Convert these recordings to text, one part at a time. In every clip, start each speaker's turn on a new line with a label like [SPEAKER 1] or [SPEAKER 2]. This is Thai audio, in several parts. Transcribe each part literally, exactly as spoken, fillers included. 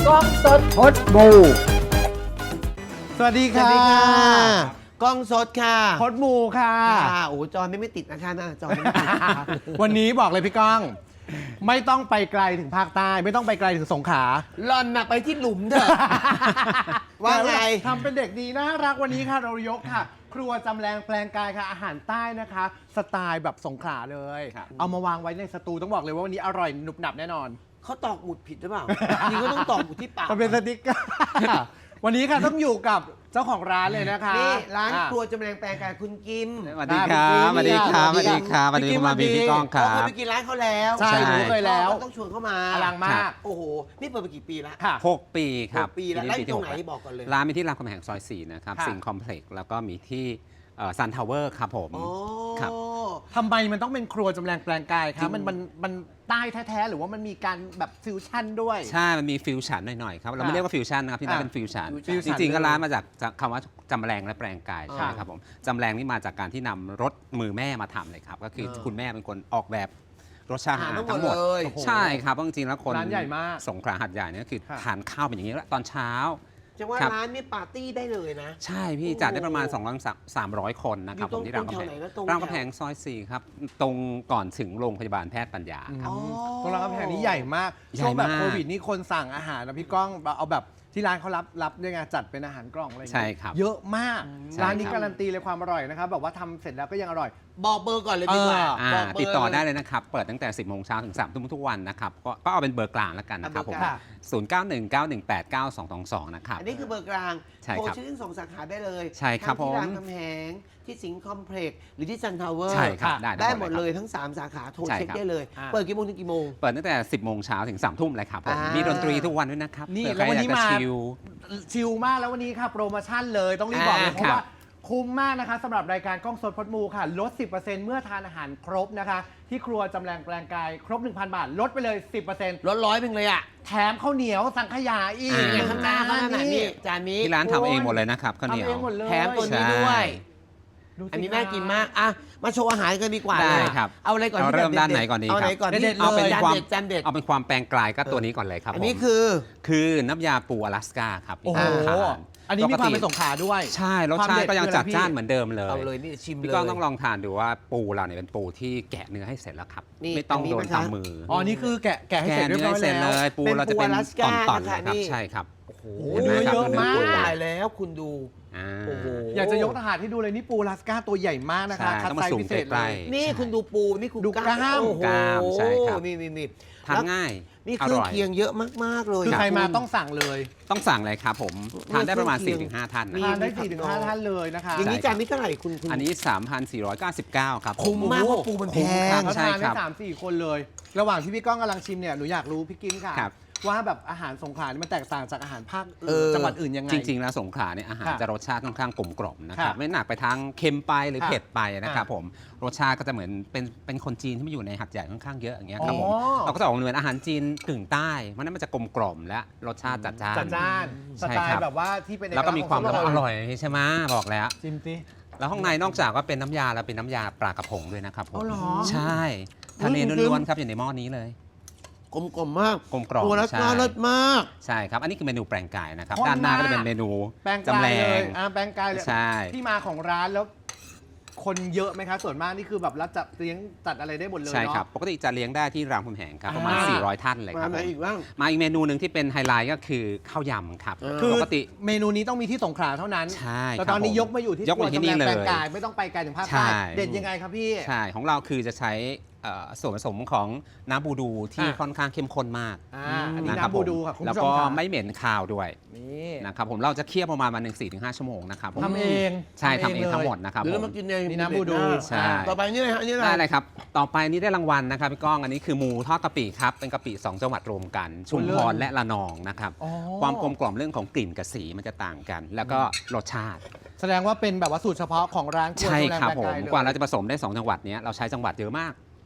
[SPEAKER 1] กล้องสดพดบูสวัสดี
[SPEAKER 2] สวั
[SPEAKER 1] ค่ะ
[SPEAKER 2] สดีค่ะกล้องสดค่ะ
[SPEAKER 1] พดมูค่ะ
[SPEAKER 2] ค่ะโอ้จอไม่ไม่ติดนะคะนะจอไม่ติด
[SPEAKER 1] วันนี้บอกเลยพี่ก้อง ไม่ต้องไปไกลถึงภาคใต้ไม่ต้องไปไกลถึงสงขลา
[SPEAKER 2] หล่อนน่ะไปที่หลุมเถอะ ว่าไง
[SPEAKER 1] ทำเป็นเด็กดีน่ารักวันนี้ค่ะเรายกค่ะ ครัวจำแรงแปลงกายค่ะอาหารใต้นะคะ สไตล์แบบสงขลาเลย เอามาวางไว้ในสตูต้องบอกเลยว่าวันนี้อร่อยหนุบหนับแน่นอน
[SPEAKER 2] เขาตอกหมุดผิดหรือเปล่า นี่ก็ต้องตอกหมุดที่ปาก
[SPEAKER 1] มันเป็นสติ๊กเกอร์ วันนี้ค่ะต้องอยู่กับเจ้าของร้านเลยนะคะ
[SPEAKER 2] นี่ร้าน
[SPEAKER 1] อ่ะ
[SPEAKER 2] ครัวจำแรงแปลงกายคุณกิม
[SPEAKER 3] สวัสดีครับสวัสดีครับสวัสดีครับสวัสดีคุณมาบีพี่ก้องค
[SPEAKER 2] เรา
[SPEAKER 3] รั
[SPEAKER 2] เคย
[SPEAKER 3] บ
[SPEAKER 2] ไปกินร้านเขาแล้ว
[SPEAKER 1] ใช่หนูเคยแล้ว
[SPEAKER 2] ก็ต้องชวนเข้ามา
[SPEAKER 1] อลังมาก
[SPEAKER 2] โอ้โหนี่เปิดมากี่ปีแล้ว
[SPEAKER 1] ค่ะ
[SPEAKER 3] หกปีครับ
[SPEAKER 2] หกปีแล้วร้านอยู่ตรงไหน
[SPEAKER 3] ปีที่
[SPEAKER 2] บอกก่อนเลย
[SPEAKER 3] ร้านมีที่รามคำแหงซอยสี่นะครับ
[SPEAKER 1] ค่ะ
[SPEAKER 3] สิงห์คอมเพล็กซ์แล้วก็มีที่ซันทาวเวอร์ครับผม
[SPEAKER 2] โอ้
[SPEAKER 3] ครับ
[SPEAKER 1] ทำไมมันต้องเป็นครัวจำแรงแปลงกาย
[SPEAKER 2] จริ
[SPEAKER 1] คะ
[SPEAKER 2] ง
[SPEAKER 1] มันมันมันใต้แท้ๆหรือว่ามันมีการแบบฟิวชั่นด้วย
[SPEAKER 3] ใช่ มันมีฟิวชั่นหน่อยๆครับ เราไม่เรียกว่าฟิวชั่นนะครับที่นั่น
[SPEAKER 1] อ่ะ
[SPEAKER 3] เป็นฟิวชั่น
[SPEAKER 1] ฟิวชั่
[SPEAKER 3] จ
[SPEAKER 1] น
[SPEAKER 3] ริงๆ ก็
[SPEAKER 1] เลย
[SPEAKER 3] ร้านมาจากจากคำว่าจำแรงและแปลงกายใช่ไหม
[SPEAKER 1] ค่ะ
[SPEAKER 3] ครับผมจำแรงนี่มาจากการที่นำรถมือแม่มาทำเลยครับ ก็คือ
[SPEAKER 2] เออ
[SPEAKER 3] คุณแม่เป็นคนออกแบบรสชาติอาหาร
[SPEAKER 2] อาหารทั้
[SPEAKER 3] ทั้
[SPEAKER 2] ง
[SPEAKER 3] ง
[SPEAKER 2] ห
[SPEAKER 3] ห
[SPEAKER 2] ม
[SPEAKER 3] ม
[SPEAKER 2] ด
[SPEAKER 3] ด
[SPEAKER 2] เลย
[SPEAKER 1] โอ้โห
[SPEAKER 3] ใช่ครับเพราะจริงๆแล้วคน
[SPEAKER 1] ร้านใหญ่มาก
[SPEAKER 3] สงขลาหัดใหญ่เนี่ยก็คือ
[SPEAKER 1] ค่ะ
[SPEAKER 3] ทานข้าวเป็นอย่างนี้แล้วตอนเช้า
[SPEAKER 2] จะว่า
[SPEAKER 3] ครับ
[SPEAKER 2] ร้านนี่ปาร์ตี้ได้เลยนะ
[SPEAKER 3] ใช่พี่
[SPEAKER 2] โอ้โห
[SPEAKER 3] จัดได้ประมาณ สองร้อย สามร้อย คนนะครับ
[SPEAKER 2] อยู่ตรง
[SPEAKER 3] ผมที่รามคำแห
[SPEAKER 2] ตรงแถวไหน
[SPEAKER 3] ง
[SPEAKER 2] นะตรง
[SPEAKER 3] ราม
[SPEAKER 2] แถว
[SPEAKER 3] คำแหงซอยสี่ครับ ตรงก่อนถึงโรงพยาบาลแพทย์ปัญญาครับ
[SPEAKER 2] อ๋อ
[SPEAKER 1] ตรงร้านกาแฟนี่ใหญ่มาก
[SPEAKER 3] ใหญ่
[SPEAKER 1] ช่วงแบบ
[SPEAKER 3] มาก
[SPEAKER 1] โควิดนี่คนสั่งอาหารนะพี่ก้องเอาแบบที่ร้านเขารับรับด้วยไงจัดเป็นอาหารกล่องอะไรอย่าง
[SPEAKER 3] ใช่
[SPEAKER 1] เงี้ย
[SPEAKER 3] ครับ
[SPEAKER 1] เยอะมาก
[SPEAKER 3] ใช่
[SPEAKER 1] ร้านนี้
[SPEAKER 3] ครับ
[SPEAKER 1] การันตีเลยความอร่อยนะครับแบบว่าทำเสร็จแล้วก็ยังอร่อย
[SPEAKER 2] บอกเบอร์ก่อนเลยดีกว่า
[SPEAKER 1] เออ
[SPEAKER 3] อ่า
[SPEAKER 2] บอกเบร์
[SPEAKER 3] ติดต่อได้เลยนะครับ เปิดตั้งแต่ สิบโมงเช้าถึง สามทุ่มทุกวันนะครับ ก็ก็เอาเป็นเบอร์กลางแล้วกันนะครับ
[SPEAKER 2] เอา
[SPEAKER 3] ผ
[SPEAKER 2] เบอ
[SPEAKER 3] ม
[SPEAKER 2] ร์กลาง
[SPEAKER 3] ศูนย์ เก้า หนึ่ง เก้า หนึ่ง แปด เก้า สอง สอง สอง นะครับ
[SPEAKER 2] อันนี้คือเบอร์กลาง
[SPEAKER 3] ใช่
[SPEAKER 2] โทร
[SPEAKER 3] ครับ
[SPEAKER 2] ชื่อทั้งสองสาขาได้เลย
[SPEAKER 3] ใช่ครับ
[SPEAKER 2] ทั้งที่
[SPEAKER 3] ผม
[SPEAKER 2] รามคำแหงที่สิงห์คอมเพล็กซ์หรือที่ซันทาวเวอร์
[SPEAKER 3] ใช่ครับ
[SPEAKER 1] ค่ะ
[SPEAKER 3] ได้
[SPEAKER 2] ได้
[SPEAKER 3] ได้
[SPEAKER 2] หมด
[SPEAKER 3] ค
[SPEAKER 2] เล
[SPEAKER 3] รับ
[SPEAKER 2] ยทั้ง 3 สาขาโทร
[SPEAKER 3] ใช่
[SPEAKER 2] เช็ค
[SPEAKER 3] ครับ
[SPEAKER 2] ได้เลย
[SPEAKER 1] อ่า
[SPEAKER 2] เปิดกี่โมงถึงกี่โมง
[SPEAKER 3] เปิดตั้งแต่ สิบโมงเช้าถึง สามทุ่มเลยครับผม
[SPEAKER 2] อ่ามี
[SPEAKER 3] มีดนตรีทุกวันด้วยนะครับ
[SPEAKER 1] นี่
[SPEAKER 3] เผื่อ
[SPEAKER 1] แล้ววันนี้
[SPEAKER 3] ใครอยก
[SPEAKER 1] มา
[SPEAKER 3] จะชิล
[SPEAKER 1] ชิลมากแล้ววันนี้ค่ะโปรโมชั่นเลยต้องรีบบอกเลย
[SPEAKER 3] อ่า
[SPEAKER 1] เพราะ
[SPEAKER 3] ครับ
[SPEAKER 1] ว่าคุ้มมากนะคะสำหรับรายการกล้องสดพดมูค่ะลด สิบเปอร์เซ็นต์ เมื่อทานอาหารครบนะคะ ที่ครัวจำแรงแปลงกายครบ หนึ่งพัน บาท ลดไปเลย สิบเปอร์เซ็นต์
[SPEAKER 2] ร้อยร้อยเป็นเลยอ่ะ
[SPEAKER 1] แถมข้าวเหนียวสังขยาอีก
[SPEAKER 3] อ่า
[SPEAKER 2] อย่างข้างหน้าเขาขนาดนี้จานนี้
[SPEAKER 3] ที่ร้านทำเองหมดเลยนะครับข้าวเหนียว
[SPEAKER 1] ทำเองหมดเลย
[SPEAKER 2] แถมตัวนี้ด้วย
[SPEAKER 1] ดูสิ
[SPEAKER 2] อันนี้น่ากินมากอ่ะมาโชว์อาหารกันดีกว่า
[SPEAKER 3] ได้
[SPEAKER 2] เลย
[SPEAKER 3] ครับ
[SPEAKER 2] เอาอะไรก่อน
[SPEAKER 3] เอา
[SPEAKER 2] ที่
[SPEAKER 3] เริ่ม
[SPEAKER 2] แบบ
[SPEAKER 3] ด้าน
[SPEAKER 2] ด็
[SPEAKER 3] ไหนก่อนดี
[SPEAKER 2] เอาไหน
[SPEAKER 3] ครับ
[SPEAKER 2] ก่อน
[SPEAKER 1] เด็ดๆ
[SPEAKER 2] เอาเป็น
[SPEAKER 1] เลย
[SPEAKER 2] จาน
[SPEAKER 3] ความ
[SPEAKER 2] เด็ดจานเด็ด
[SPEAKER 3] เอาเป็นความแปลงกลายก็ตัวนี้ก่อนเลยครับ
[SPEAKER 2] อันนี้
[SPEAKER 3] ผม
[SPEAKER 2] คือ
[SPEAKER 3] คือน้ำยาปูอลาสก้าครับ
[SPEAKER 1] โอ้โห
[SPEAKER 3] ที่ทาน
[SPEAKER 1] อันนี้มีความเป็นสงขลาด้วย
[SPEAKER 3] ใช่รสชาติก็ยังจัดจ้านเหมือนเดิมเลย
[SPEAKER 2] เอาเลยนี่ชิมเลย
[SPEAKER 3] พี่ก้องต้องลองทานดูว่าปูเราเนี่ยเป็นปูที่แกะเนื้อให้เสร็จแล้วครับ
[SPEAKER 2] นี่
[SPEAKER 3] ไม่ต้อง
[SPEAKER 2] อันนี้
[SPEAKER 3] โดน
[SPEAKER 2] นะคะ
[SPEAKER 3] ตำมือ
[SPEAKER 1] อ๋อ นี่คือแกะแกะให้
[SPEAKER 3] แกะ
[SPEAKER 1] เสร็จเรียบ
[SPEAKER 3] เนื้อ
[SPEAKER 1] ร้อย
[SPEAKER 3] ให้เสร็จ
[SPEAKER 1] แล้
[SPEAKER 3] เล
[SPEAKER 1] ว
[SPEAKER 3] ยปูเราจะเป็น
[SPEAKER 2] เป็นปูอลาสก้า
[SPEAKER 3] ตอนๆ
[SPEAKER 2] นะคะ
[SPEAKER 3] เลยครับ
[SPEAKER 2] นี่
[SPEAKER 3] ใช่ครับ
[SPEAKER 2] โอ้โห
[SPEAKER 1] โอ้โห
[SPEAKER 2] ห็นไห
[SPEAKER 1] เยอะมาก
[SPEAKER 2] โอ้ตายแล้วคุณดู
[SPEAKER 3] อ่า
[SPEAKER 2] โอ้โห
[SPEAKER 1] อยากจะยกทหารให้ดูเลยนี่ปูลาสก้าตัวใหญ่มากนะคะ
[SPEAKER 3] ใช่
[SPEAKER 1] คัด
[SPEAKER 3] ต้องมา
[SPEAKER 1] ไซส์
[SPEAKER 3] สุ่ม
[SPEAKER 1] พิเศษ
[SPEAKER 3] ใก
[SPEAKER 1] เล
[SPEAKER 3] ล้
[SPEAKER 1] ย
[SPEAKER 3] ๆ
[SPEAKER 2] นี่คุณดูปูนี่คุณ
[SPEAKER 1] ดูกล้าม
[SPEAKER 2] โอ้โห
[SPEAKER 3] กล้ามใช่ครับ
[SPEAKER 2] นี่นี่นี่
[SPEAKER 3] ทานง่าย
[SPEAKER 2] นี่
[SPEAKER 3] อ
[SPEAKER 2] เครื่อง
[SPEAKER 3] ร่อย
[SPEAKER 2] เคียงเยอะมากๆเลย
[SPEAKER 1] คือใครมา
[SPEAKER 2] ณ
[SPEAKER 1] ต้องสั่งเลย
[SPEAKER 3] ต้องสั่งเลยครับผมทานได้ประมาณ
[SPEAKER 2] เครื่องเคียง
[SPEAKER 3] สี่ถึงห้า ท่าน
[SPEAKER 2] นี่
[SPEAKER 3] นะ
[SPEAKER 1] ทานได้
[SPEAKER 2] มีผัก
[SPEAKER 1] สี่ถึง
[SPEAKER 2] ดอ
[SPEAKER 1] ห้าง ท่านเลยนะคะ
[SPEAKER 2] อย่างนี้
[SPEAKER 3] ใช่ครับ
[SPEAKER 2] จานนี้เท่าไหร่คุณคุณ
[SPEAKER 3] อันนี้ สามพันสี่ร้อยเก้าสิบเก้า ครับผม
[SPEAKER 2] คุ้มมากเพราะปูมันแพ
[SPEAKER 3] คุ้มครั
[SPEAKER 2] ง
[SPEAKER 3] บ
[SPEAKER 1] เขา
[SPEAKER 3] ใช่
[SPEAKER 1] ทาน
[SPEAKER 3] ค
[SPEAKER 1] ได้
[SPEAKER 3] รับ
[SPEAKER 1] สามสี่คนเลย ระหว่างที่พี่ก้องกำลังชิมเนี่ยหนูอยากรู้พี่กินค่ะ
[SPEAKER 3] ครับ
[SPEAKER 1] ว่าแบบอาหารสงขลานี่มันแตกต่างจากอาหารภาค
[SPEAKER 2] เออ
[SPEAKER 1] จังหวัดอื่นยังไง
[SPEAKER 3] จริง ๆ แล้วสงขลาเนี่ยอาหาร
[SPEAKER 1] ค่ะ
[SPEAKER 3] จะรสชาติค่อนข้างกลมกล่อมนะครับ
[SPEAKER 1] ค่ะ
[SPEAKER 3] ไม่หนักไปทางเค็มไปหรือ
[SPEAKER 1] ค่ะ
[SPEAKER 3] เผ็ดไปนะครับ
[SPEAKER 1] ค่ะ
[SPEAKER 3] ผมรสชาติก็จะเหมือนเป็นเป็นคนจีนที่มาอยู่ในหัดใหญ่ค่อนข้างเยอะอย่างเงี้ยครับผม
[SPEAKER 1] อ๋อ
[SPEAKER 3] เราก็จะออกเหมือนอาหารจีนกึ่งใต้เพราะฉะนั้นมันจะกลมกล่อมและรสชาติจัดจ้าน
[SPEAKER 1] จัดจ้านส
[SPEAKER 3] ใช่
[SPEAKER 1] ไต
[SPEAKER 3] ครั
[SPEAKER 1] ล์
[SPEAKER 3] บ
[SPEAKER 1] แบบว่าที่เป็นเอก
[SPEAKER 3] แล้วก็มีความ
[SPEAKER 1] ลักษณ์ของ
[SPEAKER 3] อร่อยใช่ไหมบอกแล้ว
[SPEAKER 1] ชิมสิ
[SPEAKER 3] แล้วข้างในนอกจากว่าเป็นน้ำยาแล้วเป็นน้ำยาปลากระพงด้วยนะครับผม
[SPEAKER 1] อ๋อเหรอ
[SPEAKER 3] ใช่ทะเลล้วนๆครับอยู่ในหม้อนี้เลย
[SPEAKER 2] กลมกลมๆมาก
[SPEAKER 3] กลมกล่อม
[SPEAKER 2] ตัวละ
[SPEAKER 3] ใช่
[SPEAKER 2] น่าเลิศมาก
[SPEAKER 3] ใช่ครับอันนี้คือเมนูแปลงกายนะครับ
[SPEAKER 1] ข้น
[SPEAKER 3] ด้านหน้าก็
[SPEAKER 1] มาก
[SPEAKER 3] จะเป็นเมนู
[SPEAKER 1] แปลง
[SPEAKER 3] จำ
[SPEAKER 1] กา
[SPEAKER 3] แร
[SPEAKER 1] ยเลย
[SPEAKER 3] ง
[SPEAKER 1] อ่าแปลงกายเลย
[SPEAKER 3] ใช่
[SPEAKER 1] ที่มาของร้านแล้ว คนเยอะไหมคะส่วนมากนี่คือแบบรับจัดเลี้ยงจัดอะไรได้หมดเลย
[SPEAKER 3] ใช่ครับ
[SPEAKER 1] เนาะ
[SPEAKER 3] ปกติจะเลี้ยงได้ที่รามคำแหงครับประมาณ
[SPEAKER 1] อ่า
[SPEAKER 3] สี่ร้อย ท่านเลยค
[SPEAKER 2] มา
[SPEAKER 3] รับ
[SPEAKER 2] ไหน
[SPEAKER 3] ผม
[SPEAKER 2] อีกบ้าง
[SPEAKER 3] มาอีกเมนูหนึ่งที่เป็นไฮไลท์ก็คือข้าวยำครับ
[SPEAKER 2] เออ
[SPEAKER 1] คือ
[SPEAKER 3] ปกติ
[SPEAKER 1] เมนูนี้ต้องมีที่สงขลาเท่านั้น
[SPEAKER 3] ใช่
[SPEAKER 1] แต่
[SPEAKER 3] ครับ
[SPEAKER 1] ตอนนี้
[SPEAKER 3] ผม
[SPEAKER 1] ยกมาอยู่ที่
[SPEAKER 3] ยกมาที่นี่
[SPEAKER 1] ครัวจำแรง
[SPEAKER 3] เลย
[SPEAKER 1] แปลงกายไม่ต้องไปไกลถึงภาค
[SPEAKER 3] ใช่
[SPEAKER 1] ใต้เด็ดยังไงครับพี่
[SPEAKER 3] ใช่ของเราคือจะใช้เอ่อส่วนผสมของน้ำบูดูที่
[SPEAKER 1] อ่ะ
[SPEAKER 3] ค่อนข้างเข้มข้นมาก
[SPEAKER 1] อ่าอันนี้
[SPEAKER 3] ะครับ
[SPEAKER 1] น้ำบูดูค่ะ
[SPEAKER 3] ผม
[SPEAKER 1] คุณ
[SPEAKER 3] แล้ว
[SPEAKER 1] ผู้ช
[SPEAKER 3] ก็
[SPEAKER 1] มค่ะ
[SPEAKER 3] ไม่เหม็นคาวด้วย
[SPEAKER 1] นี่
[SPEAKER 3] นะครับผมเราจะเคี่ยวประมาณวันหนึ่งสี่ถึงห้าชั่วโมงนะครับผม
[SPEAKER 1] ทำเอง
[SPEAKER 3] ใช่ทำเอง
[SPEAKER 1] ลย
[SPEAKER 3] ทั้งหมดนะครับ
[SPEAKER 2] เดี๋ยว
[SPEAKER 3] ผ
[SPEAKER 2] เรา
[SPEAKER 3] ม
[SPEAKER 2] มากินเอง
[SPEAKER 1] นี่น้ำบูดู
[SPEAKER 3] ใช่
[SPEAKER 2] ต่อไปนี่เลยฮะนี่อะไร
[SPEAKER 3] ได้เลยครับ ต่อไปนี้ได้รางวัลนะครับพี่ก้องอันนี้คือหมูทอดกะปิครับเป็นกะปิสองจังหวัดรวมกัน ชุมพรและระนองนะครับ
[SPEAKER 1] อ๋อ
[SPEAKER 3] ความกลมกล่อมเรื่องของกลิ่นกับสีมันจะต่างกัน แล้วก็รสชาติ
[SPEAKER 1] แสดงว่าเป็นแบบว่าสูตรเฉพาะของร้านครัว
[SPEAKER 3] ใช่
[SPEAKER 1] จำแรง
[SPEAKER 3] ครับ
[SPEAKER 1] แปลง
[SPEAKER 3] ผม
[SPEAKER 1] กายเลย
[SPEAKER 3] กว่าเราจะผสมได้สองจังหวัดเนี้ยเราใช้จังหวัดเยอะมาก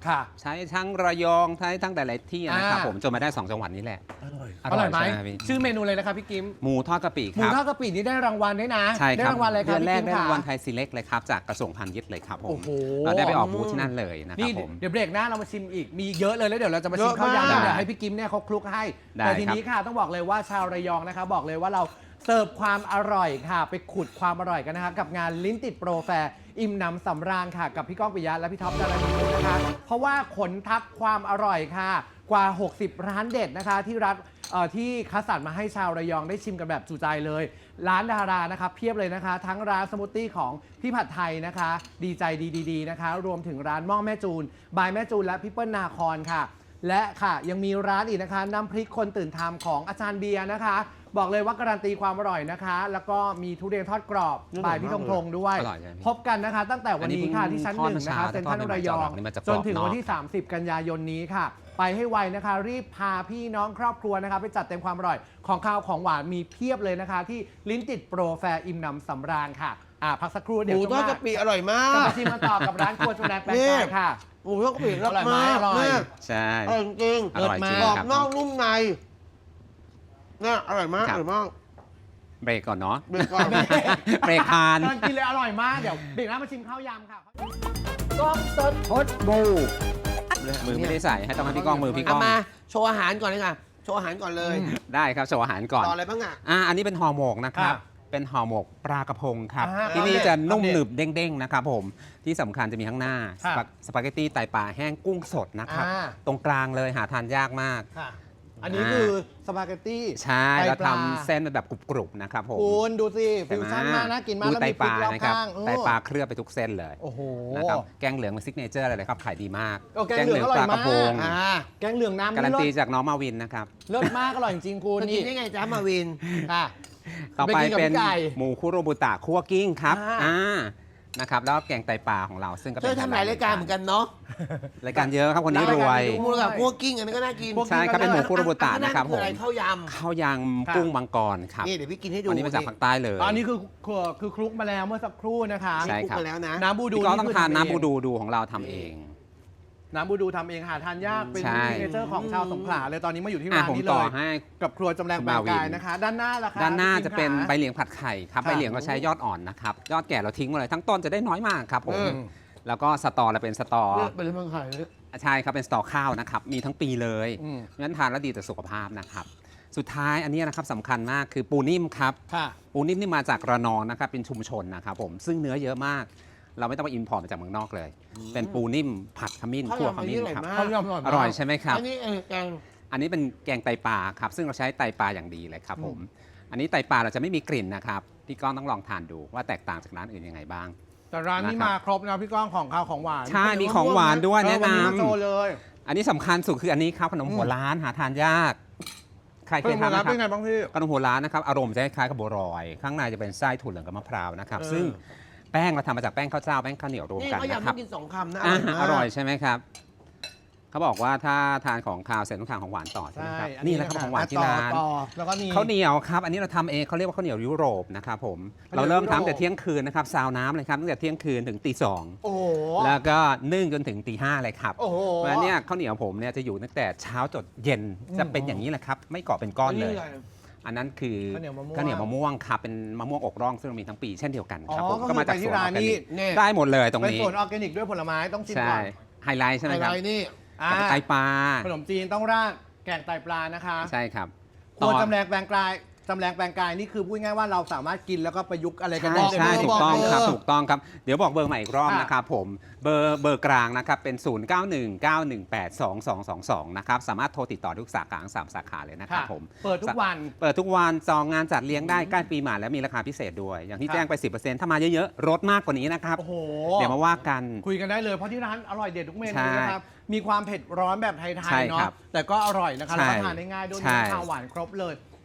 [SPEAKER 1] ค่ะ
[SPEAKER 3] ใช้ทั้งระยองใช้ทั้งแต่ละที่นะครับ
[SPEAKER 1] อ่า
[SPEAKER 3] ผมจนมาได้สองจังหวัดนี้แหละ
[SPEAKER 2] อร่อย
[SPEAKER 1] อร่อยไหม
[SPEAKER 3] ใช่พี่
[SPEAKER 1] ชื่อเมนูเลยนะครับพี่กิม
[SPEAKER 3] หมูทอดกะปิ
[SPEAKER 1] ห
[SPEAKER 3] ค
[SPEAKER 1] มู
[SPEAKER 3] รับ
[SPEAKER 1] ทอดกะปินี่ได้รางวัลด้วยนะ
[SPEAKER 3] ใช่
[SPEAKER 1] ได้
[SPEAKER 3] ครับ
[SPEAKER 1] รางวัลอะไรค
[SPEAKER 3] เดื
[SPEAKER 1] รับ
[SPEAKER 3] อนแรก
[SPEAKER 1] พี่
[SPEAKER 3] ได้
[SPEAKER 1] กิม
[SPEAKER 3] รางวัล
[SPEAKER 1] ค่ะ
[SPEAKER 3] ไทยซีเล็กเลยครับจากกระทรวงพาณิชย์เลยครับผ
[SPEAKER 1] โอ้
[SPEAKER 3] ม
[SPEAKER 1] โห
[SPEAKER 3] เราได้ไปออกบูธที่นั่นเลยนะค
[SPEAKER 1] นี่
[SPEAKER 3] รับผม
[SPEAKER 1] เดี๋ยวเบรกหน้าเรามาชิมอีกมีเยอะเลยแล้วเดี๋ยวเราจะมาชิม
[SPEAKER 2] เยอะ
[SPEAKER 1] ข้าวยำ
[SPEAKER 2] มาก
[SPEAKER 1] เดี๋ยวให้พี่กิมเนี่ยเขาคลุกให้
[SPEAKER 3] ได้
[SPEAKER 1] แต่ที
[SPEAKER 3] ครับ
[SPEAKER 1] นี้ค่ะต้องบอกเลยว่าชาวระยองนะคะบอกเลยว่าเราเสิร์ฟความอร่อยค่ะ ไปขุดความอร่อยกันนะคะกับงานลิ้นติดโปรแฟร์อิ่มหนำสำราญค่ะกับพี่ก้องปิยะและพี่ท็อปดารณีนะคะเพราะว่าขนทัพความอร่อยค่ะกว่า หกสิบ ร้านเด็ดนะคะที่รัฐเอ่อที่คัดสรรมาให้ชาวระยองได้ชิมกันแบบจุใจเลย ร้านดารานะคะเพียบเลยนะคะ ทั้งร้านสมูทตี้ของพี่ผัดไทยนะคะ ดีใจดีๆนะคะ รวมถึงร้านหม่อแม่จูน บายแม่จูนและพี่เปิ้ลนาคอนค่ะ และค่ะยังมีร้านอีกนะคะน้ำพริกคนตื่นทำของอาจารย์เบียร์นะคะ บอกเลยว่าการันตีความอร่อยนะคะ แล้วก็มีทุเรียนทอดกรอบบายพี่ธงธงด้วย
[SPEAKER 3] อร่อยใช่ไหม
[SPEAKER 1] พบกันนะคะ ตั้งแต่วันนี้ค่ะที่ชั้นหนึ่งนะคะเซ็นทรัลระยอง
[SPEAKER 3] นี่มันจะก
[SPEAKER 1] จ
[SPEAKER 3] ร
[SPEAKER 1] น
[SPEAKER 3] อบ
[SPEAKER 1] ถึง
[SPEAKER 3] นอก
[SPEAKER 1] วันที่ สามสิบ กันยายนนี้ค่ะ ไปให้ไวนะคะ รีบพาพี่น้องครอบครัวนะคะ ไปจัดเต็มความอร่อยของข้าวของหวานมีเพียบเลยนะคะ ที่ลิ้นติดโปรแฟร์อิ่มหนำสำราญค่ะอ่าพักสักครู่
[SPEAKER 2] ห
[SPEAKER 1] เดี๋ยว
[SPEAKER 2] มูทอด
[SPEAKER 1] ช่วงห
[SPEAKER 2] กะ
[SPEAKER 1] น้า
[SPEAKER 2] ปิอร่อยมา
[SPEAKER 1] จะ
[SPEAKER 2] ก
[SPEAKER 1] มาชิมกันต่อกับร้านครัวจุฬาแปลง
[SPEAKER 2] นี่
[SPEAKER 1] กายค่ะ
[SPEAKER 2] หมูทอดกะปิอร่อย
[SPEAKER 1] อร่อยไหม
[SPEAKER 2] มาก
[SPEAKER 1] อร่อย
[SPEAKER 2] มาก
[SPEAKER 3] ใช่
[SPEAKER 2] อร่อยจริง
[SPEAKER 3] อร่อยจริง
[SPEAKER 2] กรอบ
[SPEAKER 3] ครับ
[SPEAKER 2] นอกนุ่มในเนี่ยอร่อยมาก
[SPEAKER 3] ค
[SPEAKER 2] อ
[SPEAKER 3] รับ
[SPEAKER 2] ร่อยมาก
[SPEAKER 3] เบรกก่อนเนาะ
[SPEAKER 2] เบรกก่อน
[SPEAKER 3] เบรกทาน
[SPEAKER 1] ตอนกินเลยอร่อยมากเดี๋ยวเบรกหน้ามาชิมข้าวยำค่ะ
[SPEAKER 2] กล้องสด
[SPEAKER 3] พดบูมือไม่ได้ใส่ให้ต้องให้พี่ก้องมือพี่ก้
[SPEAKER 2] เอา
[SPEAKER 3] อง
[SPEAKER 2] มาโชว์อาหารก่อนเลยค่ะโชว์อาหารก่อนเลย
[SPEAKER 3] ได้ครับโชว์อาหารก่อน
[SPEAKER 2] ต่ออะไรบ้างอ่ะ
[SPEAKER 3] อ่าอันนี้เป็นห่อหมกนะครับ
[SPEAKER 1] ครับ
[SPEAKER 3] เป็นห่อหมกปลากระพงครับ
[SPEAKER 1] อ่า
[SPEAKER 3] ที่นี่
[SPEAKER 1] อัปเดต
[SPEAKER 3] จะนุ่ม
[SPEAKER 1] อัปเดต
[SPEAKER 3] หนึบเด้งๆนะครับผมที่สำคัญจะมีข้างหน้า
[SPEAKER 1] ครับ
[SPEAKER 3] สปาเกตตี้ไตปลาแห้งกุ้งสดนะครับ
[SPEAKER 1] อ่า
[SPEAKER 3] ตรงกลางเลยหาทานยากมาก
[SPEAKER 1] ค่ะ อันนี้คือสปาเกตตี้
[SPEAKER 3] ใช่
[SPEAKER 1] ไต
[SPEAKER 3] เรา
[SPEAKER 1] ปลา
[SPEAKER 3] ทำเส้นเป็นแบบกรุบๆนะครับผม
[SPEAKER 1] คุณดูสิ
[SPEAKER 3] เห็
[SPEAKER 1] ฟิ
[SPEAKER 3] น
[SPEAKER 1] ว
[SPEAKER 3] ไห
[SPEAKER 1] ชั่นมากน่ากินมาก
[SPEAKER 3] ดู
[SPEAKER 1] แล้ว
[SPEAKER 3] ไต
[SPEAKER 1] มีพ
[SPEAKER 3] ป
[SPEAKER 1] ริ
[SPEAKER 3] ลาก
[SPEAKER 1] รอบ
[SPEAKER 3] นะครับ
[SPEAKER 1] ข้างเออ
[SPEAKER 3] ไตปลาเคลือบไปทุกเส้นเลย
[SPEAKER 1] โอ้โห
[SPEAKER 3] นะครับแกงเหลืองเป็นซิกเนเจอร์เลยครับขายดีมาก
[SPEAKER 1] โอ้แกงเหลืองอร่อย
[SPEAKER 3] ปลากระพง
[SPEAKER 1] มาก
[SPEAKER 2] อ่า
[SPEAKER 1] แกงเหลืองน้ำ
[SPEAKER 3] การันตี
[SPEAKER 1] เลิศ
[SPEAKER 3] จากน้องมาวินนะครับ
[SPEAKER 1] เลิศมากอร่อยจริงๆคุณ
[SPEAKER 2] จะกิ
[SPEAKER 1] นี่
[SPEAKER 2] นได้ไงจ๊ะมาวิน
[SPEAKER 1] ค่ะ
[SPEAKER 3] ต่อไป
[SPEAKER 1] ไปกินกับ
[SPEAKER 3] เป็น
[SPEAKER 1] พี่ไก่
[SPEAKER 3] หมูคุโรบุตะคั่วกิ้งครับ
[SPEAKER 1] อ่า
[SPEAKER 3] อ่านะครับแล้วก็แกงไตปลาของเราซึ่งก็
[SPEAKER 2] เธ
[SPEAKER 3] เป็น
[SPEAKER 2] อทำหลายรายการเหมือนกันเนาะ
[SPEAKER 3] รายการเยอะครับคนนี้รวย
[SPEAKER 2] หมูกับพวกกิ้งอันนี้ก็น่ากิน
[SPEAKER 3] ใช่ครับเป็นหมูคุโรบุตะนะครับ
[SPEAKER 2] อั
[SPEAKER 3] ผม
[SPEAKER 2] ออะไรข้าวย
[SPEAKER 3] ข้าวยางกุ้งมังกรครับ
[SPEAKER 2] ำนี่เดี๋ยวพี่กินให้ดู
[SPEAKER 3] อันนี้มาจากภาคใต้เลย
[SPEAKER 1] อันนี้คือคือคือคลุกมาแล้วเมื่อสักครู่นะคะ
[SPEAKER 3] ใช่
[SPEAKER 2] คลุกมาแล้วนะ
[SPEAKER 1] น้ำบูดู
[SPEAKER 3] พี่ก็ต้อง
[SPEAKER 1] คื
[SPEAKER 3] ทาน
[SPEAKER 1] ำ
[SPEAKER 3] น้ำบู
[SPEAKER 1] เอง
[SPEAKER 3] ดูดูของเราทำเอง
[SPEAKER 1] น้ำบูดูทำเองหาทานยากเป็น
[SPEAKER 3] ใช่
[SPEAKER 1] ซิกเนเจอร์ของชาวสงขลาเลยตอนนี้มาอยู่ที่
[SPEAKER 3] อ่ะ
[SPEAKER 1] ร้าน
[SPEAKER 3] ผม
[SPEAKER 1] นี้เล
[SPEAKER 3] ต่อย ให้
[SPEAKER 1] กับครัวจำแรงแปลงกายนะคะ ด้านหน้าล่ะคะ
[SPEAKER 3] ด้านหน้า
[SPEAKER 1] พี่
[SPEAKER 3] จะ
[SPEAKER 1] คิม
[SPEAKER 3] เป็น
[SPEAKER 1] ขา
[SPEAKER 3] ใบเหลียงผัดไข่ครับ
[SPEAKER 1] ค่ะ
[SPEAKER 3] ใบเหลียงเราใช้ยอดอ่อนนะครับยอดแก่เราทิ้งไว้เลยทั้งต้นจะได้น้อยมากครับผม
[SPEAKER 2] เออ
[SPEAKER 3] แล้วก็สตอเราเป็นสตอ
[SPEAKER 2] เนี่ยเป็นเรื่องไข่เลย
[SPEAKER 3] ใช่ครับเป็นสตอข้าวนะครับมีทั้งปีเลย
[SPEAKER 1] อืม
[SPEAKER 3] เพราะฉะนั้นทานแล้วดีต่อสุขภาพนะครับสุดท้ายอันนี้นะครับสำคัญมากคือปูนิ่มครับ
[SPEAKER 1] ค่ะ
[SPEAKER 3] ปูนิ่มนี่มาจากระนองนะครับเป็นชุมชนนะครับผมซึ่งเนื้อเยอะมาก เราไม่ต้องไปอินพอร์ตมาจากเมืองนอกเลย เป็นปูนิ่มผัดขมิ้น
[SPEAKER 2] ข้าว
[SPEAKER 3] คั่วย
[SPEAKER 2] ำ
[SPEAKER 3] ข
[SPEAKER 2] อัน
[SPEAKER 3] มิ้
[SPEAKER 2] นี้
[SPEAKER 3] น
[SPEAKER 2] อร่อย
[SPEAKER 3] ครับ
[SPEAKER 2] มาก
[SPEAKER 1] เขายำอร่อย
[SPEAKER 3] อ
[SPEAKER 1] มาก
[SPEAKER 3] ร่อยใช่ไหมครับ
[SPEAKER 2] อันนี้เออแกง
[SPEAKER 3] อันนี้เป็นแกงไตปลาครับซึ่งเราใช้ไตปลาอย่างดีเลยครับผมอันนี้ไตปลาเราจะไม่มีกลิ่นนะครับพี่ก้องต้องลองทานดูว่าแตกต่างจากร้านอื่นยังไงบ้าง
[SPEAKER 1] แต่ร้านนี้
[SPEAKER 3] นะครับ
[SPEAKER 1] มาครบนะพี่ก้องของข้าวของหวาน
[SPEAKER 3] ใช่มีของหวานด้วย
[SPEAKER 1] เออ
[SPEAKER 3] แนะ
[SPEAKER 1] วัน
[SPEAKER 3] น
[SPEAKER 1] นี้มาโชว์เลย
[SPEAKER 3] ำอันนี้สำคัญสุดคืออันนี้ครับขนมหัวล้านหาทานยาก ใครเค
[SPEAKER 1] เป็
[SPEAKER 3] ย
[SPEAKER 1] น
[SPEAKER 3] ทานไหม
[SPEAKER 1] ร้าน
[SPEAKER 3] ค
[SPEAKER 1] เป็นไง
[SPEAKER 3] รับ
[SPEAKER 1] บ้างพี่
[SPEAKER 3] ขนมหัวล้านนะครับอารมณ์จะคล้ายๆกับบัวลอย ข้างในจะเป็นไส้ถั่วเหลืองกับมะพร้าวนะครับ
[SPEAKER 1] เออ
[SPEAKER 3] ซึ่งแป้งเราทำมาจากแป้งข้าวเจ้าแป้งข้าวเหนียวรวม
[SPEAKER 2] นี่
[SPEAKER 3] กัน
[SPEAKER 2] เขาวยำ
[SPEAKER 3] นะค
[SPEAKER 2] ต้
[SPEAKER 3] รั
[SPEAKER 2] อบ งกินสองคำนะ
[SPEAKER 3] อ่ะ
[SPEAKER 2] มาก
[SPEAKER 3] อร่อยใช่ไหมครับเขาบอกว่าถ้าทานของคาวเสร็จต้องทานของหวานต่อใช่ไหมครับนี่แหละครับของหวานที่ร้าน
[SPEAKER 1] ต่อแล้วก็มี
[SPEAKER 3] ข้าวเหนียวครับ อันนี้เราทำเองเขาเรียกว่าข้าวเหนียวยุโรปนะครับผม
[SPEAKER 1] ข้าวเหนียว
[SPEAKER 3] เราเริ่ม
[SPEAKER 1] ยุโรป
[SPEAKER 3] ทำแต่เที่ยงคืนนะครับซาวน้ำเลยครับตั้งแต่เที่ยงคืนถึงตีสอง
[SPEAKER 1] โอ้โห
[SPEAKER 3] แล้วก็นึ่งจนถึงตีห้าเลยครับ
[SPEAKER 1] โอ้โห
[SPEAKER 3] เพราะฉะนั้นเนี่ยข้าวเหนียวผมเนี่ยจะอยู่ตั้งแต่เช้าจดเย็นจะเป็นอย่างนี้แหละครับ ไม่เกาะเป็นก้อนเลย อันนั้นคือ
[SPEAKER 1] ข้าวเหนียวมะม่วง
[SPEAKER 3] ข้าวเหนียวมะม่วงครับเป็นมะม่วงอกร่องซึ่งเรามีทั้งปีเช่นเดียวกันครับ
[SPEAKER 1] อ๋อ
[SPEAKER 3] ผม
[SPEAKER 1] ก็
[SPEAKER 3] ก็มาจาก
[SPEAKER 1] คือ
[SPEAKER 3] ส
[SPEAKER 1] ไปที่
[SPEAKER 3] วนอ
[SPEAKER 1] ร้า
[SPEAKER 3] อน ร์แก
[SPEAKER 1] นี่
[SPEAKER 3] นิก
[SPEAKER 2] นี่
[SPEAKER 3] ได้หมดเลยตรง
[SPEAKER 1] เป็น
[SPEAKER 3] นี้
[SPEAKER 1] สวนออร์แกนิกด้วยผลไม้ต้องชิม
[SPEAKER 3] ใช่
[SPEAKER 1] ก่อน
[SPEAKER 3] ไฮไลท์ใช่ไหม
[SPEAKER 2] อะ
[SPEAKER 3] ค
[SPEAKER 2] ไร
[SPEAKER 3] รับ
[SPEAKER 2] นี่
[SPEAKER 1] อ่า
[SPEAKER 3] ไตปลา
[SPEAKER 1] ขนมจีนต้องราดแกงไตปลานะคะ
[SPEAKER 3] ใช่ครับ
[SPEAKER 1] ครัวจำแรงแปลงกายจำแรงแปลงกายนี่คือพูดง่ายๆว่าเราสามารถกินแล้วก็ประยุกต์อะไรกัน
[SPEAKER 3] ใช่
[SPEAKER 1] ได้
[SPEAKER 3] ใช่
[SPEAKER 1] เลย
[SPEAKER 3] ถูกต้องครับ
[SPEAKER 2] บอกเบอร์
[SPEAKER 3] ถูกต้องครับ เดี๋ยวบอกเบอร์ใหม่อีกรอบ
[SPEAKER 1] ค่ะ
[SPEAKER 3] นะครับผมเบอร์เบอร์กลางนะครับเป็น ศูนย์ เก้า หนึ่ง เก้า หนึ่ง แปด สอง สอง สอง สอง นะครับสามารถโทรติดต่อทุกสาขาทั้งสามสาขาเลยนะครับ
[SPEAKER 1] ค่ะ
[SPEAKER 3] ผม
[SPEAKER 1] เปิดทุกวัน
[SPEAKER 3] เปิดทุกวันจองงานจัดเลี้ยงได้ใกล้ปีใหม่แล้วมีราคาพิเศษด้วย อย่างที่
[SPEAKER 1] ค่ะ
[SPEAKER 3] แจ้งไป สิบเปอร์เซ็นต์ ถ้ามาเยอะๆลดมากกว่านี้นะครับ
[SPEAKER 1] โอ้โห
[SPEAKER 3] เดี๋ยวมาว่ากัน
[SPEAKER 1] คุยกันได้เลยเพราะที่ร้านอร่อยเด็ดทุกเมนู
[SPEAKER 3] ใช่
[SPEAKER 1] นะครับ มีความเผ็ดร้อนแบบไทย
[SPEAKER 3] ใช่
[SPEAKER 1] ๆเนาะ
[SPEAKER 3] ครับ
[SPEAKER 1] แต่ก็อร่อยนะคะ
[SPEAKER 3] ใช่
[SPEAKER 1] แล้วก็ทานได้ง่ายด้วย
[SPEAKER 3] ใช่
[SPEAKER 1] มีข้าวหวานครบเลย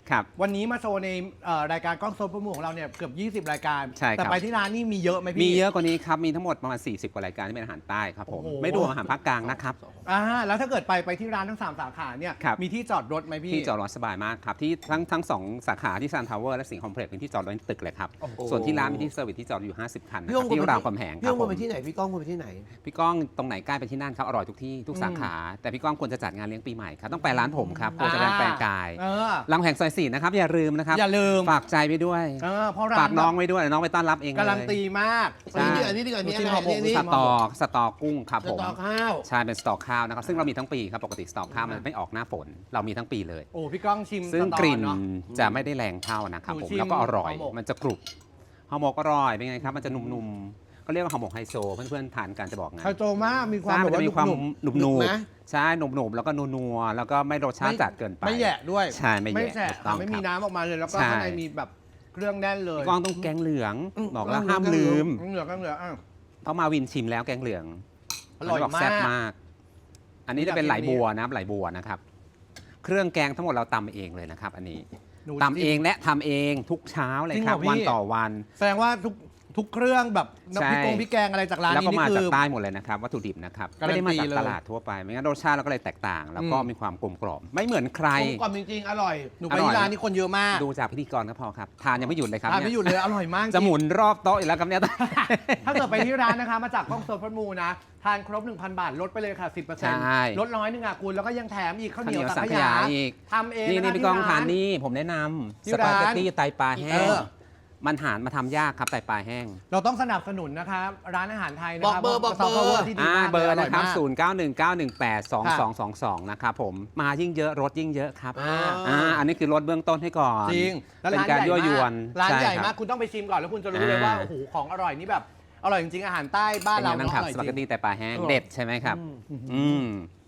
[SPEAKER 3] ครับ
[SPEAKER 1] วันนี้มาโชว์ในเอ่อรายการกล้องโซนประมูของเราเนี่ยเกือบยี่สิบ รายการ
[SPEAKER 3] ใช่ครับ
[SPEAKER 1] แต่ไปที่ร้านนี่มีเยอะไหมพี่
[SPEAKER 3] มีเยอะกว่านี้ครับ มีทั้งหมดประมาณ สี่สิบ กว่ารายการที่เป็นอาหารใต้ครับผม
[SPEAKER 1] โอ้โห
[SPEAKER 3] ไม่รวมอาหารภาคกลางนะครับ
[SPEAKER 1] อ่าแล้วถ้าเกิดไปไปที่ร้านทั้งสามสาขาเนี่ย
[SPEAKER 3] ครับ
[SPEAKER 1] มีที่จอดรถไหมพี่
[SPEAKER 3] ที่จอดรถสบายมากครับ ที่ทั้งทั้งสองสาขาที่ซันทาวเวอร์และสิงห์คอมเพล็กซ์เป็นที่จอดรถในตึกเลยครับ
[SPEAKER 1] โอ้โห
[SPEAKER 3] ส่วนที่ร้านมีที่เซอร์วิสที่จอดอยู่ ห้าสิบ คันนะ
[SPEAKER 2] พี่
[SPEAKER 3] ค
[SPEAKER 2] ก้
[SPEAKER 3] รั
[SPEAKER 2] อบ ง
[SPEAKER 3] ที่
[SPEAKER 2] ควรไป
[SPEAKER 3] รามคำแหงค
[SPEAKER 2] พี่
[SPEAKER 3] รั
[SPEAKER 2] ก้อบ ง
[SPEAKER 3] ผ
[SPEAKER 2] ควร
[SPEAKER 3] ม
[SPEAKER 2] ไปที่ไหนพี่ก้องควรไปที่ไหน
[SPEAKER 3] พี่ก้องตรงไหนใกล้ไปที่นั่นครับอร่อยทุกที่ทุกสาขา แต่พี่ก้องควรจะจัดงานเลี้ยงปีใหม่ครับต้องไปร้านผมครับโคจะแรงแปลงกาย
[SPEAKER 1] เออ
[SPEAKER 3] รามคำแหงซอยสี่นะครับอย่าลืมนะครับ
[SPEAKER 1] อย่าลืม
[SPEAKER 3] ฝากใจไปด้วย
[SPEAKER 1] เออเพราะร้าน
[SPEAKER 3] ฝากน้องไว้ด้วยน้องไปต้อนรับเองเลย
[SPEAKER 1] การันตีมาก
[SPEAKER 3] ใช่
[SPEAKER 2] อันนี้ดีกว่าอันนี้ดีกว่า
[SPEAKER 1] หนูชิม
[SPEAKER 2] อันนี้
[SPEAKER 1] ห่อหมก
[SPEAKER 2] อันนี้
[SPEAKER 3] สตอกสตอกกุ้งครับ
[SPEAKER 2] ส
[SPEAKER 3] ผม
[SPEAKER 2] ตอข้าว
[SPEAKER 3] ใช่เป็นสตอกข้าวนะครับซึ่งเรามีทั้งปีครับปกติสตอกข้าวมันไม่ออกหน้าฝนเรามีทั้งปีเลย
[SPEAKER 1] โอ้พี่ก้องชิม
[SPEAKER 3] ซึ่ง
[SPEAKER 1] สตอก
[SPEAKER 3] ลิ่น
[SPEAKER 1] เนาะ
[SPEAKER 3] จะไม่ได้แรงเท่านะครับ
[SPEAKER 1] หนู
[SPEAKER 3] ผม
[SPEAKER 1] ชิม
[SPEAKER 3] แล้วก็อร่อย
[SPEAKER 1] ห่อหมก
[SPEAKER 3] มันจะกรุบห่อหมกอร่อยเป็นไงครับมันจะนุ่มๆก็เรียกว่าห่อหมกไฮโซเพื่อนๆทานกันจะบอกไง
[SPEAKER 1] ไฮโซมากมีความ
[SPEAKER 3] ใช่
[SPEAKER 1] แบ
[SPEAKER 3] มัน
[SPEAKER 1] บ
[SPEAKER 3] จะ
[SPEAKER 1] ว่า
[SPEAKER 3] มีความ
[SPEAKER 1] หนุบ
[SPEAKER 3] หนุบ
[SPEAKER 2] ห
[SPEAKER 3] ห
[SPEAKER 2] นุ
[SPEAKER 3] นุ
[SPEAKER 2] บบ ไหม
[SPEAKER 3] ใช่หนุบหนุบแล้วก็นัวๆแล้วก็ไม่รสชาติจัดเกินไป
[SPEAKER 1] ไม่แยะด้วย
[SPEAKER 3] ใช่ไม่แยะ
[SPEAKER 1] ไม่แฉะ
[SPEAKER 3] ถูกต้อง
[SPEAKER 1] ไม่มี
[SPEAKER 3] ครับ
[SPEAKER 1] น้ำออกมาเลยแล้วก็
[SPEAKER 3] ใช่
[SPEAKER 1] ข้างในมีแบบเครื่องแน่นเลย
[SPEAKER 3] กล้องต้องแกงเหลือง
[SPEAKER 2] อืม
[SPEAKER 3] บอกแล้ว
[SPEAKER 2] แกง
[SPEAKER 3] ห้าม
[SPEAKER 2] เหลื
[SPEAKER 3] ลื
[SPEAKER 2] อง
[SPEAKER 3] ม
[SPEAKER 1] เหลือก็เหลืออ่ะ
[SPEAKER 3] เพราะมาวินชิมแล้วแกงเหลือง
[SPEAKER 1] อร่อย
[SPEAKER 3] นนี้บก
[SPEAKER 1] มาก
[SPEAKER 3] แซ่บมาก อันนี้จะเป็น
[SPEAKER 1] อยาก
[SPEAKER 3] ไหล
[SPEAKER 1] กิน
[SPEAKER 3] บัวนะครับไหลบัวนะครับ เครื่องแกงทั้งหมดเราตำเองเลยนะครับ อันนี้
[SPEAKER 1] หนู
[SPEAKER 3] ตำเองและทำเองทุกเช้าเลย
[SPEAKER 1] จริง
[SPEAKER 3] ครับ
[SPEAKER 1] เหรอพี่
[SPEAKER 3] วันต่อวัน
[SPEAKER 1] แสดงว่าทุกทุกเครื่องแบบ
[SPEAKER 3] ใช่
[SPEAKER 1] น้ำพริกกงพริกแกงอะไรจากร้าน
[SPEAKER 3] แล้ว
[SPEAKER 1] นี้
[SPEAKER 3] ก็
[SPEAKER 1] นี่
[SPEAKER 3] มา
[SPEAKER 1] คื
[SPEAKER 3] จาก
[SPEAKER 1] อ
[SPEAKER 3] ใต้หมดเลยนะครับวัตถุดิบนะครับ
[SPEAKER 1] การันตี
[SPEAKER 3] ไม่ได้มาจาก
[SPEAKER 1] เลย
[SPEAKER 3] ตลาดทั่วไปไม่งั้นรสชาติเราก็เลยแตกต่าง แล้วก็
[SPEAKER 1] อืม
[SPEAKER 3] มีความกลมกล่อมไม่เหมือนใคร
[SPEAKER 2] กลมกล่อมจริงๆ อร่อย
[SPEAKER 1] หนูไปที่ร้านนี้คนเยอะมาก
[SPEAKER 3] ดูจากพิธีกรก็พอครับทานยังไม่หยุดเลยครับ
[SPEAKER 1] ทานไม่หยุดเลยอร่อยมากจริง
[SPEAKER 3] จะหมุนรอบโต๊ะอีกแล้วครับเนี่ย
[SPEAKER 1] ถ้าเกิดไปที่ร้านนะคะมาจากกล้องโซนพัดมูนะ ทานครบ หนึ่งพัน บาท ลดไปเลยค่ะ สิบเปอร์เซ็นต์
[SPEAKER 3] ใช่
[SPEAKER 1] ลดร้อยหนึงอ่ะคุณ แล้วก็ยังแถมอีกข้าวเหนียว
[SPEAKER 3] ข้าว
[SPEAKER 1] สั
[SPEAKER 3] เหนี
[SPEAKER 1] ง
[SPEAKER 3] ยว
[SPEAKER 1] ขยา
[SPEAKER 3] สังขยาอีก
[SPEAKER 1] ทำเอง
[SPEAKER 3] นี่
[SPEAKER 1] ะ
[SPEAKER 3] นี่
[SPEAKER 1] คะ
[SPEAKER 3] พี่ก้อง
[SPEAKER 1] ที่
[SPEAKER 3] ทาน
[SPEAKER 1] ร้
[SPEAKER 3] นี่ผมแนะนำ
[SPEAKER 1] ที่
[SPEAKER 3] สปาเกต
[SPEAKER 1] ร้าน
[SPEAKER 3] ตี้ไตปลาแห้
[SPEAKER 1] เอง อ
[SPEAKER 3] มันหารมาทำยากครับไตปลาแห้ง
[SPEAKER 1] เราต้องสนับสนุนนะคะร้านอาหารไทยนะ
[SPEAKER 2] บอก
[SPEAKER 1] คะ
[SPEAKER 2] เบอร์บอกเบอร์
[SPEAKER 1] ซฟต์แวที่ดี
[SPEAKER 3] อ่าม
[SPEAKER 1] าก
[SPEAKER 3] เบอร์
[SPEAKER 1] ลย
[SPEAKER 3] นะครับ
[SPEAKER 1] ยมาก
[SPEAKER 3] ศูนย์ เก้า หนึ่ง เก้า หนึ่ง แปด สอง สอง สอง สอง นะครับผมมายิ่งเยอะรถยิ่งเยอะครับ
[SPEAKER 2] อ่า
[SPEAKER 3] อ่าอันนี้คือรถเบื้องต้นให้ก่อน
[SPEAKER 1] จริงแล้ว
[SPEAKER 3] เป็น
[SPEAKER 1] ร้าน
[SPEAKER 3] การ
[SPEAKER 1] ใหญ่
[SPEAKER 3] ยั่วยวน
[SPEAKER 1] มากร้าน
[SPEAKER 3] ช่
[SPEAKER 1] ใหญ่
[SPEAKER 3] ครับ
[SPEAKER 1] มากคุณต้องไปชิมก่อนแล้วคุณจะรู้เลยว่า
[SPEAKER 3] อ่า
[SPEAKER 1] โอ้โหของอร่อยนี่แบบอร่อยจริงๆอาหารใต้บ้าน
[SPEAKER 3] เป็น
[SPEAKER 1] เรา
[SPEAKER 3] ไงบ้าง
[SPEAKER 1] เนาะ
[SPEAKER 3] ครับ
[SPEAKER 1] อร่อย
[SPEAKER 3] สปาเกต
[SPEAKER 1] จริ
[SPEAKER 3] ตี้
[SPEAKER 1] ง
[SPEAKER 3] ไตปลาแห้ง
[SPEAKER 2] อร่อย
[SPEAKER 3] เด็ดใช่ไหมครับ อืม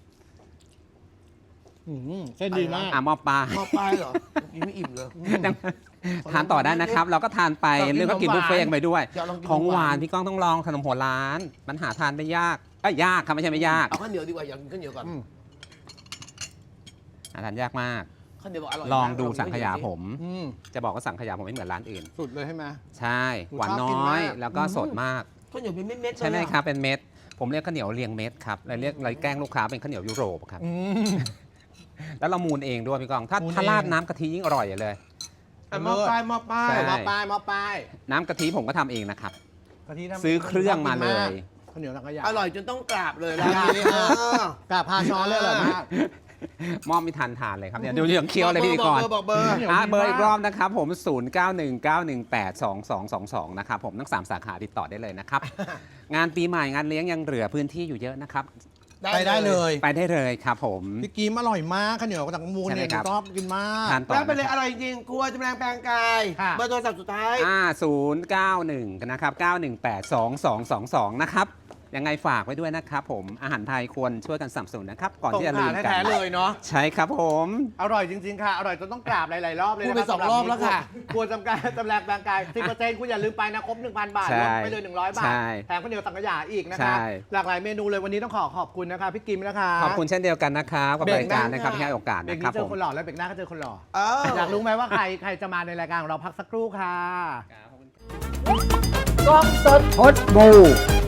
[SPEAKER 1] อืมเส้นดีมาก
[SPEAKER 3] อ่ะหมอปลา
[SPEAKER 2] หม้อปลายเหรอกินไม่อิ่มเลย
[SPEAKER 3] ทานต่อได้นะครับ เราก็ทานไป
[SPEAKER 1] อยากกิน
[SPEAKER 3] เรื่องก็กิน
[SPEAKER 1] ของหวาน
[SPEAKER 3] บุฟเฟ่ต์กันไปด้วย
[SPEAKER 2] อยากลองกิน
[SPEAKER 3] ของหวาน
[SPEAKER 2] ของหวาน
[SPEAKER 3] พี่ก้องต้องลองขนมหัวล้าน มันหาทานไม่ยากเอ้ยยากครับไม่ใช่ไม่ยาก
[SPEAKER 2] เอาข้าวเหนียวดีกว่าอยากกินข้าวเหนียวก่อน
[SPEAKER 1] อืม
[SPEAKER 3] หาทานยากมาก
[SPEAKER 2] ข้าวเหนียวบอกอร่อย
[SPEAKER 3] ลองดู
[SPEAKER 2] มาก
[SPEAKER 3] สังขยาผม
[SPEAKER 1] อืม
[SPEAKER 3] จะบอกว่าสังขยาผมไม่เหมือนร้านอื่น
[SPEAKER 1] สุดเลยใช่ไหม
[SPEAKER 3] ใช่
[SPEAKER 1] หนู
[SPEAKER 3] หวาน
[SPEAKER 1] ชอบกิน
[SPEAKER 3] น้อย
[SPEAKER 1] มาก
[SPEAKER 3] แล้วก็สดมาก
[SPEAKER 2] ข้าวเหนียวเป็นเม็ดๆเลย
[SPEAKER 3] ใช่ไหม
[SPEAKER 2] อะ
[SPEAKER 3] ครับเป็นเม็ด ผมเรียกข้าวเหนียวเรียงเม็ดครับเลยเรียกเลยแกล้งลูกค้าเป็นข้าวเหนียวยุโรปครับ
[SPEAKER 1] อืม
[SPEAKER 3] แล้วเรามูนเองด้วยพี่กองถ้า
[SPEAKER 1] มูน
[SPEAKER 3] ถ้า
[SPEAKER 1] เอง
[SPEAKER 3] ราดน้ำกะทิยิ่งอร่อยเลย
[SPEAKER 2] อ่ะหม้อปลายหม้อปลาย
[SPEAKER 3] ใช่
[SPEAKER 1] หม้อป้ายหม้อป้าย
[SPEAKER 3] น้ำกะทิผมก็ทำเองนะครับ
[SPEAKER 1] กะทิทำ
[SPEAKER 3] ซื้อเครื่องมาเลย
[SPEAKER 1] ข้าวเหนียวสังขยา
[SPEAKER 2] อร่อยจนต้องกราบเลยร้านนี้เออก
[SPEAKER 1] าบพาช้อนเลยอร่อยมาก
[SPEAKER 3] มอบไม่ทันทานเลยครับเนี่ยดูยังเคี้ยวเลยพิธีกร
[SPEAKER 2] บอกเบอร์บอกเบอร์
[SPEAKER 1] เหนียว
[SPEAKER 3] อ่ะ
[SPEAKER 1] ดี
[SPEAKER 3] เบอร์อีก
[SPEAKER 1] มาก
[SPEAKER 3] รอบนะครับผม ศูนย์ เก้า หนึ่ง เก้า หนึ่ง แปด สอง สอง สอง สอง นะครับผมทั้งสามสาขาติดต่อได้เลยนะครับ งานปีใหม่งานเลี้ยงยังเหลือพื้นที่อยู่เยอะนะครับ
[SPEAKER 1] ไปได้เลย
[SPEAKER 3] ไปได้เลยครับผม
[SPEAKER 1] พี่กีมอร่อยมากข้าวเหนียวจากมูลเนี่ย
[SPEAKER 3] ใช่ไหมครับ
[SPEAKER 1] ชอบกินมาก
[SPEAKER 3] ทานต่อ
[SPEAKER 2] แล้วไปเลย
[SPEAKER 3] นะค
[SPEAKER 2] อ
[SPEAKER 3] รับ
[SPEAKER 2] ร่อยจริงครัวจำแรงแปลงกาย
[SPEAKER 1] ค่ะ
[SPEAKER 2] เบอร์โทรศัพท์สุดท้าย
[SPEAKER 3] อ่าศูนย์ เก้า หนึ่ง นะครับ เก้า หนึ่ง แปด สอง สอง สอง สอง นะครับ ยังไงฝากไว้ด้วยนะครับผม อาหารไทยควรช่วยกันสนับสนุนนะครับ ก่อน
[SPEAKER 1] สง
[SPEAKER 3] ที่จะ
[SPEAKER 1] ข
[SPEAKER 3] ลื
[SPEAKER 1] ลาม
[SPEAKER 3] กั
[SPEAKER 1] แท้
[SPEAKER 3] น
[SPEAKER 1] ๆเลยเนาะ
[SPEAKER 3] ใช่ครับผม
[SPEAKER 1] อร่อยจริงๆค่ะ อร่อยจนต้องกราบหลายๆรอบเลย
[SPEAKER 2] พูด
[SPEAKER 1] นะ
[SPEAKER 2] ไป
[SPEAKER 1] คะ
[SPEAKER 2] สองรอบแล้วค่ะ
[SPEAKER 1] กลัวจำการจำแรงแปลงกาย สิบเปอร์เซ็นต์คุณอย่าลืมไปนะ ครบ หนึ่งพัน บาท
[SPEAKER 3] ใช่
[SPEAKER 1] ลดไปเลย หนึ่งร้อยบาท
[SPEAKER 3] ใช่
[SPEAKER 1] แถมข้าวเหนียวสังขยาอีกนะ
[SPEAKER 3] ใช่
[SPEAKER 1] คะ หลากหลายเมนูเลยวันนี้ต้องขอขอบคุณนะคะพี่กิมนะคะ
[SPEAKER 3] ขอบคุณเช่นเดียวกันนะครับกับ
[SPEAKER 1] เบรก
[SPEAKER 3] รายการ
[SPEAKER 1] หน้า
[SPEAKER 3] นะครับที่ให้โอกาส
[SPEAKER 1] เบรก
[SPEAKER 3] นะครั
[SPEAKER 1] นี้
[SPEAKER 3] บ
[SPEAKER 1] เจ
[SPEAKER 3] ผ
[SPEAKER 1] อ
[SPEAKER 3] ม
[SPEAKER 1] คนหล่อแล้วเบรกหน้าก็เจอคนหล่อ
[SPEAKER 2] เออ
[SPEAKER 1] อยากรู้ไหมว่าใครใครจะมาในรายการของเราพักสักครู่ค่ะ
[SPEAKER 3] กล้องสดพดบู